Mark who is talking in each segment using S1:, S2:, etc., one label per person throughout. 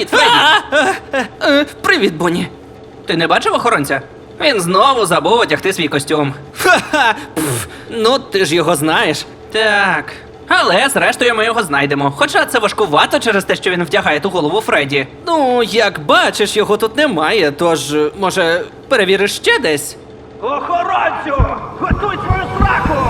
S1: Привіт, Фредді! Привіт, Бонні. Ти не бачив охоронця? Він знову забув одягти свій костюм. Ха-ха! Ну, ти ж його знаєш. Так. Але зрештою ми його знайдемо. Хоча це важкувато через те, що він вдягає ту голову Фредді. Ну, як бачиш, його тут немає, тож, може, перевіриш ще десь?
S2: Охоронцю! Готуй свою сраку!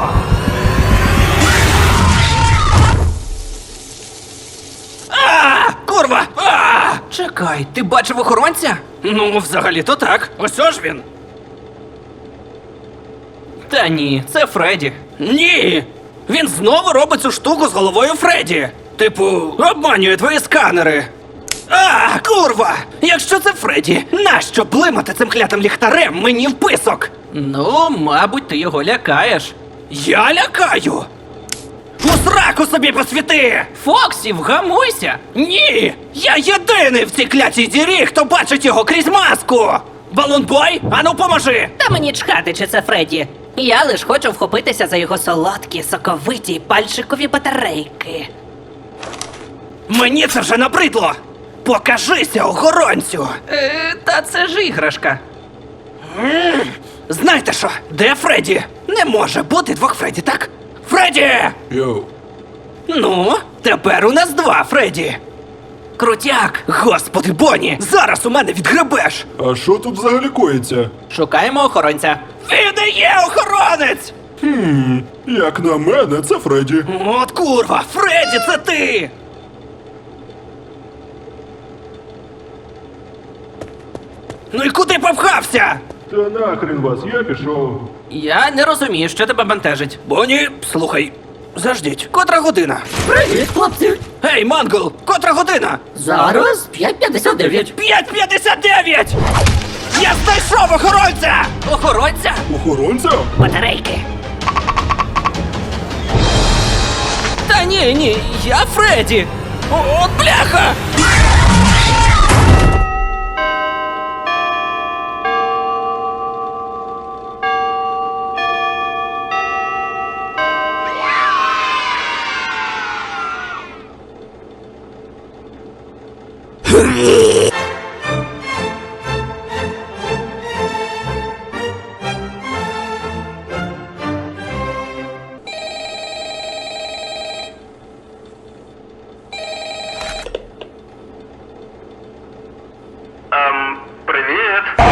S1: Курва! Чекай, ти бачив охоронця? Ну, взагалі-то так. Ось ж він. Та ні, це Фредді. Ні! Він знову робить цю штуку з головою Фредді. Типу, обманює твої сканери. Курва! Якщо це Фредді, нащо блимати цим клятим ліхтарем мені в писок? Ну, мабуть, ти його лякаєш. Я лякаю? У сраку собі посвіти! Фоксі, вгамуйся! Ні! Я єдиний в цій клятій дірі, хто бачить його крізь маску! Балунбой, ану поможи!
S3: Та мені чхати, чи це Фредді. Я лиш хочу вхопитися за його солодкі, соковиті пальчикові батарейки.
S1: Мені це вже набридло! Покажися, охоронцю! Та це ж іграшка. Знаєте що? Де Фредді? Не може бути двох Фредді, так? Фредді!
S4: Йоу.
S1: Ну, тепер у нас два Фредді. Крутяк! Господи, Бонні! Зараз у мене відгребеш!
S4: А що тут взагалі коїться?
S1: Шукаємо охоронця. Він не є охоронець!
S4: Як на мене, це Фредді.
S1: От курва! Фредді, це ти! Ну і куди попхався?
S4: Та нахрен вас, я пішов.
S1: Я не розумію, що тебе бентежить. Бонні, слухай, заждіть, котра година?
S3: Привіт, хлопці!
S1: Гей, Мангл, котра година?
S3: Зараз 5:59.
S1: 5:59! Я знайшов охоронця! Охоронця?
S4: Охоронця?
S3: Батарейки.
S1: Та ні, я Фредді! От бляха!
S2: Привіт.